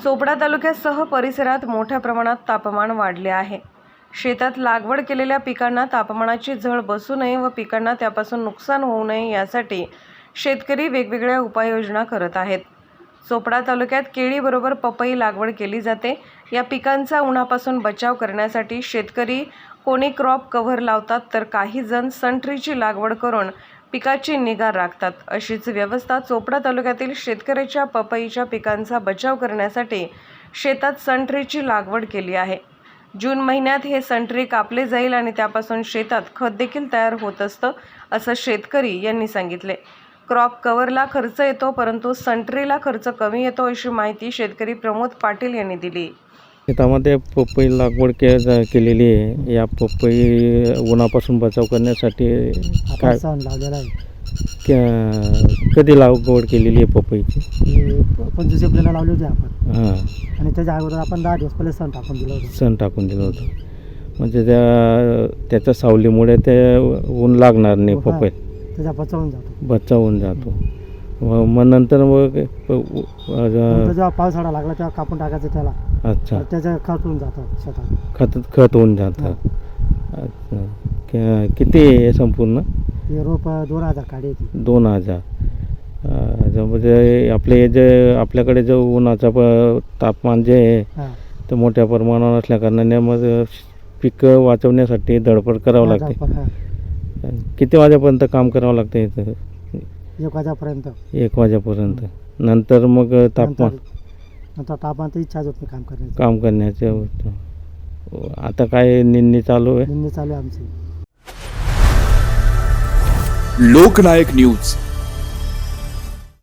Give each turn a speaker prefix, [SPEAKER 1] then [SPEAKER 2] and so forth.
[SPEAKER 1] चोपडा तालुक्यासह परिसरात मोठ्या प्रमाणात तापमान वाढले आहे। शेतात लागवड केलेल्या पिकांना तापमानाची झळ बसू नये व पिकांना त्यापासून नुकसान होऊ नये यासाठी शेतकरी वेगवेगळ्या उपाययोजना करत आहेत। चोपडा तालुक्यात केळीबरोबर पपई लागवड केली जाते। या पिकांचा उन्हापासून बचाव करण्यासाठी शेतकरी कोणी क्रॉप कव्हर लावतात, तर काही जण सनट्रीची लागवड करून पिकाची निगा राखतात। अशीच व्यवस्था चोपडा तालुक्यातील शेतकऱ्याच्या पपईच्या पिकांचा बचाव करण्यासाठी शेतात सनट्रीची लागवड केली आहे। जून महिन्यात हे सनट्री कापले जाईल आणि त्यापासून शेतात खत देखील तयार होत असतं, असं शेतकरी यांनी सांगितले। क्रॉप कव्हरला खर्च येतो, परंतु सनट्रीला खर्च कमी येतो, अशी माहिती शेतकरी प्रमोद पाटील यांनी दिली।
[SPEAKER 2] शेतामध्ये पपई लागवड केलेली आहे। या पपई उन्हापासून बचाव करण्यासाठी काय
[SPEAKER 3] लावलेला आहे?
[SPEAKER 2] कधी लागवड केलेली आहे पपईची?
[SPEAKER 3] 25 एप्रिलला लावली होती आपण।
[SPEAKER 2] हां,
[SPEAKER 3] आणि त्याच्या अगोदर आपण 10 दिवस पहिले सण टाकून दिलं होतं।
[SPEAKER 2] म्हणजे त्याच्या सावलीमुळे ते ऊन लागणार नाही, पपई
[SPEAKER 3] त्याचा
[SPEAKER 2] बचावून जातो। मग नंतर मग
[SPEAKER 3] जेव्हा पावसाळा लागला तेव्हा कापून टाकायचं त्याला।
[SPEAKER 2] अच्छा,
[SPEAKER 3] त्याचं खत होऊन जातं शेतात,
[SPEAKER 2] खत होऊन जातं। अच्छा, किती आहे संपूर्ण?
[SPEAKER 3] हे रोप 2000 काढी येते।
[SPEAKER 2] 2000। म्हणजे आपल्याकडे जो उन्हाचा तापमान जे आहे ते मोठ्या प्रमाणावर असल्या कारणाने मग पिकं वाचवण्यासाठी धडपड करावं लागते। किती वाजेपर्यंत काम करावं लागतं इथं?
[SPEAKER 3] 1 वाजेपर्यंत।
[SPEAKER 2] 1 वाजेपर्यंत। नंतर मग तापमान
[SPEAKER 3] तर इच्छाच होत नाही
[SPEAKER 2] काम करण्याचं। आता काय निंदणी चालू आहे?
[SPEAKER 3] निंदणी चालू आहे आमची।
[SPEAKER 4] लोकनायक न्यूज